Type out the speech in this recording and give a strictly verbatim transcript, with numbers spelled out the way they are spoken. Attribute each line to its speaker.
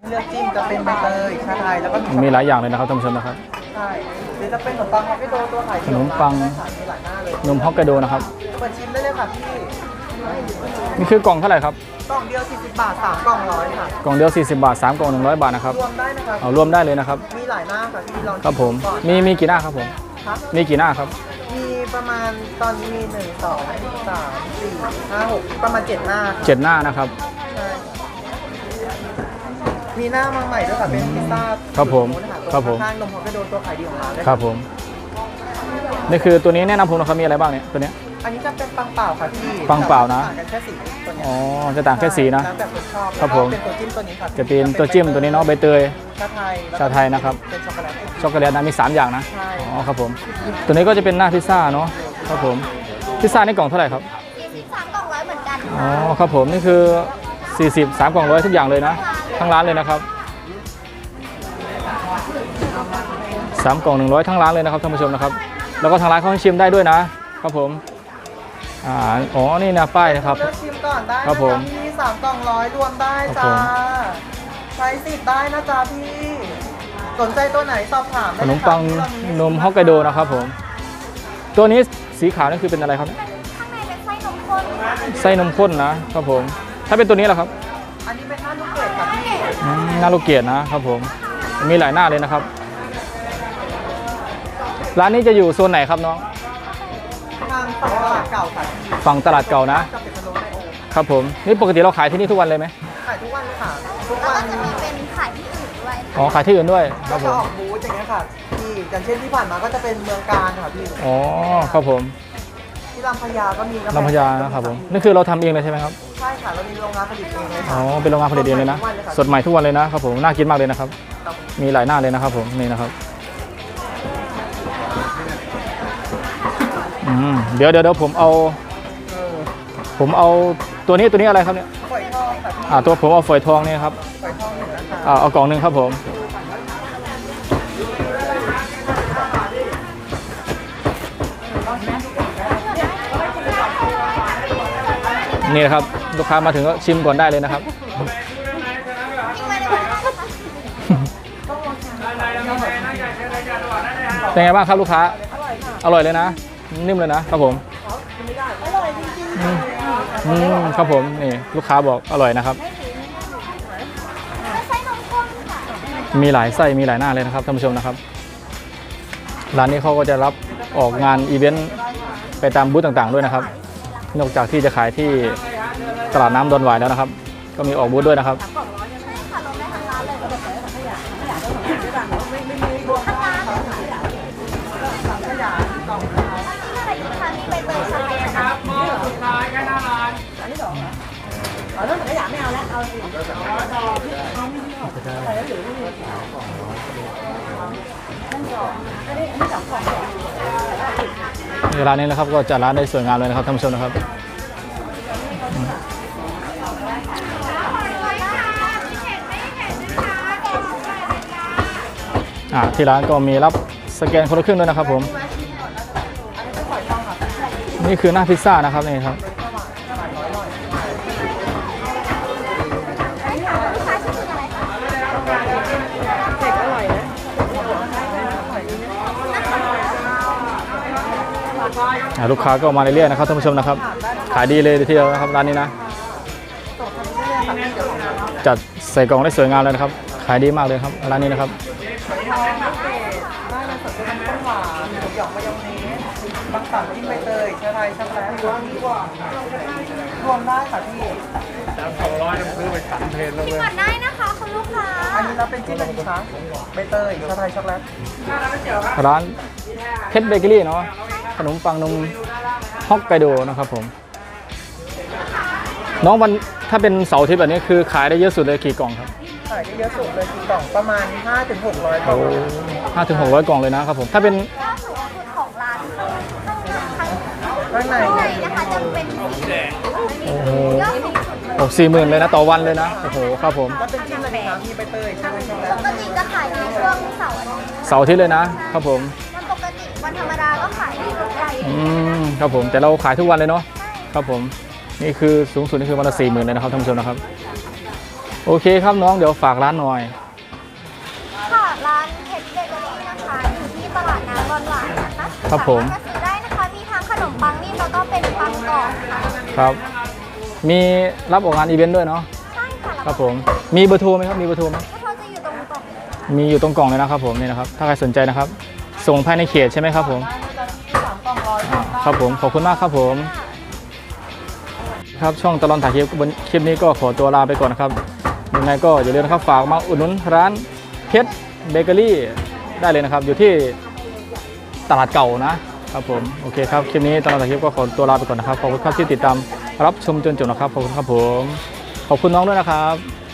Speaker 1: เลือกจิ้มจะเป็นใบเตยชาไทยแล้วก็
Speaker 2: มีหลายอย่างเลยนะครับท่านผู้ชมนะครับ
Speaker 1: ใช่หรือจะเป็นขนมปังฮอกไกโดตัวไข่
Speaker 2: ขนมปังนมฮอกไกโดนะครับ
Speaker 1: เปิดชิมได้เลยค่ะพี่
Speaker 2: นี่คือกล่องเท่าไหร่ครับ
Speaker 1: กล่องเดียวสี่สิบบาทสามกล่องร้อยค่ะ
Speaker 2: กล่องเดียวสี่สิบบาทสามกล่องหนึ่งร้อยบาทนะครับ
Speaker 1: รวมได้นะครับ
Speaker 2: เอารวมได้เลยนะครับ
Speaker 1: มีหลายหน้าค่ะที่ลอง
Speaker 2: ครับผมมีมีกี่หน้าครับผมมีกี่หน้าครับ
Speaker 1: มีประมาณตอนนี้มีหนึ่งสองสามสี่ห้าหกประมาณเจ็ดหน้า
Speaker 2: เจ็ดหน้านะครับ
Speaker 1: ใช่มีหน้ามาใหม่ด้วยค่ะเป็นพิซซ่า
Speaker 2: ครับผมครับผม
Speaker 1: ข้างนมฮอกไกโดตัวขายดีของเราเลย
Speaker 2: ครับผมนี่คือตัวนี้แนะนำผมนะครับมีอะไรบ้างเนี่ยตัวนี้
Speaker 1: อันนี้จะเป็นปังเปล่าค่ะพี่
Speaker 2: ปังเปล่านะ
Speaker 1: ต่างกันแค่สีตัวนี้
Speaker 2: อ๋อจะต่างแค่สีนะ
Speaker 1: แล้วแต่คนชอบ
Speaker 2: ครับผม
Speaker 1: เป็นตัวจิ้มตัวนี้ค่ะ
Speaker 2: จะเป็นตัวจิ้มตัวนี้เนาะใบเตย
Speaker 1: ชาไทย
Speaker 2: ชาไทยนะครับ
Speaker 1: เป็นช็อกโกแลต
Speaker 2: ช็อกโกแลตนะมีสามอย่างนะ
Speaker 1: ใช่
Speaker 2: อ๋อครับผมตัวนี้ก็จะเป็นหน้าพิซซ่าเนาะครับผมพิซซ่าในกล่องเท่าไหร่ครับ
Speaker 3: สามกล่องร้อยเหมือนกัน
Speaker 2: อ๋อครับผมนี่คือสี่สิบสามกล่องร้อยทุกอย่างเลยนะทั้งร้านเลยนะครับสามกล่องหนึ่งร้อยทั้งร้านเลยนะครับท่านผู้ชมนะครับแล้วก็ทางร้านเขาให้ชิมได้ด้วยนะครับผมอ่าอ๋อนี่นะป้ายนะครับ
Speaker 1: เลือกชิมก่อนได้
Speaker 2: ครับผม
Speaker 1: พี่สามกล่องร้อยรวมได้จ้าใช้สิทธิ์ได้นะจ๊ะพี่สนใจตัวไหนสอบถามได้
Speaker 2: ขนมปังนมฮอกไกโดนะครับผมตัวนี้สีขาวนี่คือเป็นอะไรครับ
Speaker 3: ข้างในเป็นไส้นมข้น
Speaker 2: ไส้นมข้นนะครับผมถ้าเป็นตัวนี้ล่ะครับ
Speaker 1: อันนี้เป็นหน้าลูกเกดค่ะพี่
Speaker 2: หน้าลูกเกดนะครับผมมีหลายหน้าเลยนะครับร้านนี้จะอยู่โซนไหนครับน้อง
Speaker 1: ทางฝั่งตลาดเก่าค่ะ
Speaker 2: ฝั่งตลาดเก่านะ
Speaker 1: ครับ
Speaker 2: ผมนี่ปกติเราขายที่นี่ทุกวันเลยไหม
Speaker 1: ขายทุกวันค่ะทุก
Speaker 3: วั
Speaker 1: น
Speaker 3: จะมีเป็นขายที่อื่นด้วย
Speaker 2: อ๋อขายที่อื่นด้วยครับผม
Speaker 1: ออกบูธอย่างเงี้ยค่ะพี่อย่างเช่นที่ผ่านมาก็จะเป็นเมืองการค่ะพี่
Speaker 2: อ๋อครับผม
Speaker 1: ที่ลำพญาก็มี
Speaker 2: ลำพญานะครับผมนี่คือเราทำเองเลยใช่ไหมครับ
Speaker 1: ใช่ค่ะเรามีโรงงานผลิตเองเลยค่ะ
Speaker 2: อ๋อเป็นโรงงานผลิตเองเลยนะสดใหม่ทุกวันเลยนะครับผมน่ากินมากเลยนะครับมีหลายหน้าเลยนะครับผมนี่นะครับอืมเดี๋ยวเดี๋ยวเดี๋ยวผมเอาผมเอาตัวนี้ตัวนี้อะไรครับเนี่ย
Speaker 1: ฝอยทองค่ะ
Speaker 2: อ่าตัวผมเอาฝอยทองนี่ครับ
Speaker 1: ฝอยทองหนึ่งนะคะ
Speaker 2: อ่าเอากล่องหนึ่งครับผมนี่นะครับลูกค้ามาถึงก็ชิมก่อนได้เลยนะครับเป็นไงบ้างครับลูกค้าอร่อยเลยนะนิ่มเลยนะครับผม
Speaker 1: อร่อยจริงๆ
Speaker 2: อืมครับผมนี่ลูกค้าบอกอร่อยนะครับมีหลายไส้มีหลายหน้าเลยนะครับท่านผู้ชมนะครับร้านนี้เขาก็จะรับออกงานอีเวนต์ไปตามบูธต่างๆด้วยนะครับนอกจากที่จะขายที่ตลาดน้ำดอนหวายแล้วนะครับก็มีออกบูธด้วยนะครับ
Speaker 1: เอาเรื่องขยะไม่เอาแล้วเอาสิ
Speaker 2: ร้านนี้นะครับก็จัดร้านได้สวยงามเลยนะครับท่านผู้ชมนะครับอ่าที่ร้านก็มีรับสแกนคนละครึ่งด้วยนะครับผมนี่คือหน้าพิซซ่านะครับนี่ครับลูกค้าก็มาเรื่อยๆนะครับท่านผู้ชมนะครับขายดีเลยทีเดียวนะครับร้านนี้นะจัดใส่กล่องได้สวยงามเลยนะครับขายดีมากเลยครับร้านนี้นะครับ
Speaker 1: ได้เลยสดเป็นน้ำหวานหมูหยองมายองเนสบักสันจิ้มใบเตยชาไทยช็อกโกแลตรวมรวมได้ค่ะพี่
Speaker 3: สามสองร้อยซื้อไปสามเพลนแล้วเลยก่อนได้นะคะคุณลูกค้า
Speaker 1: อันนี้เราเป็นจิ้มอะไรคะใบเตยชาไทยช็อกโกแลต
Speaker 2: ร้านเพชรเบเกอรี่เนาะขนมปังนมฮอกไกโดนะครับผมน้องวันถ้าเป็นเสาร์อาทิตย์แบบนี้คือขายได้เยอะสุดเลยกี่กล่องครับ
Speaker 1: ขายได้เยอะสุดเลยกี่กล่องประมาณ ห้าถึงหกร้อย กล่อง
Speaker 2: ห้าถึงหกร้อยกล่องเลยนะครับผมถ้าเป็น
Speaker 3: ของร้าน
Speaker 1: ข้างใน
Speaker 3: นะคะจะเป็น
Speaker 2: โอ้โหโอ้สี่หมื่นเลยนะต่อวันเลยนะโอ้โหครับผม
Speaker 1: แล้วเป็นจิ้มอะไรคะมีใบเตยใช่ไหมครับ
Speaker 3: ปกติจะขายในช่วงเสาร์อาทิตย์
Speaker 2: เสาร์อาทิตย์เลยนะครับผม
Speaker 3: วันปกติวันธรรมดาก็ขายในรถไฟ
Speaker 2: อืมครับผมแต่เราขายทุกวันเลยเนาะครับผมนี่คือสูงสุดนี่คือวันละสี่หมื่นเลยนะครับท่านผู้ชมนะครับโโอเคครับน้องเดี๋ยวฝากร้านหน่อย
Speaker 4: ค่ะร้านเพชรเบเกอรี่นะคะอยู่ที่ตลาดน้ำบอนหวานนะคะ
Speaker 2: ครับผม
Speaker 4: สามารถมาซื้อได้นะคะมีทั้งขนมปังนิ่มแล้วก็เป็นปังกรอบค่ะ
Speaker 2: ครับ มีรับออกงานอีเวนต์ด้วยเนาะ
Speaker 4: ใช่ค่ะ
Speaker 2: ครับผมมีเบอร์โทรไหมครับมีเบอร์โทรไหม
Speaker 4: แล้วเขาจะอยู่ตรงกล่อง
Speaker 2: มีอยู่ตรงกล่องเลยนะครับผมนี่นะครับถ้าใครสนใจนะครับ ส่งภายในเขตใช่ไหมครับผม
Speaker 1: ได้นะจ๊ะที่สามกล่องร้อย
Speaker 2: อ่าครับผมขอบคุณมากครับผมครับช่องตลอดถ่ายคลิปบนคลิปนี้ก็ขอตัวลาไปก่อนนะครับยังไงก็อย่าลืมนะครับฝากมาอุดหนุนร้านเพชรเบเกอรี่ได้เลยนะครับอยู่ที่ตลาดเก่านะครับผมโอเคครับคลิปนี้ตลอดถ่ายคลิปก็ขอตัวลาไปก่อนนะครับขอบคุณครับที่ติดตามรับชมจนจบนะครับขอบคุณครับผมขอบคุณน้องด้วยนะครับ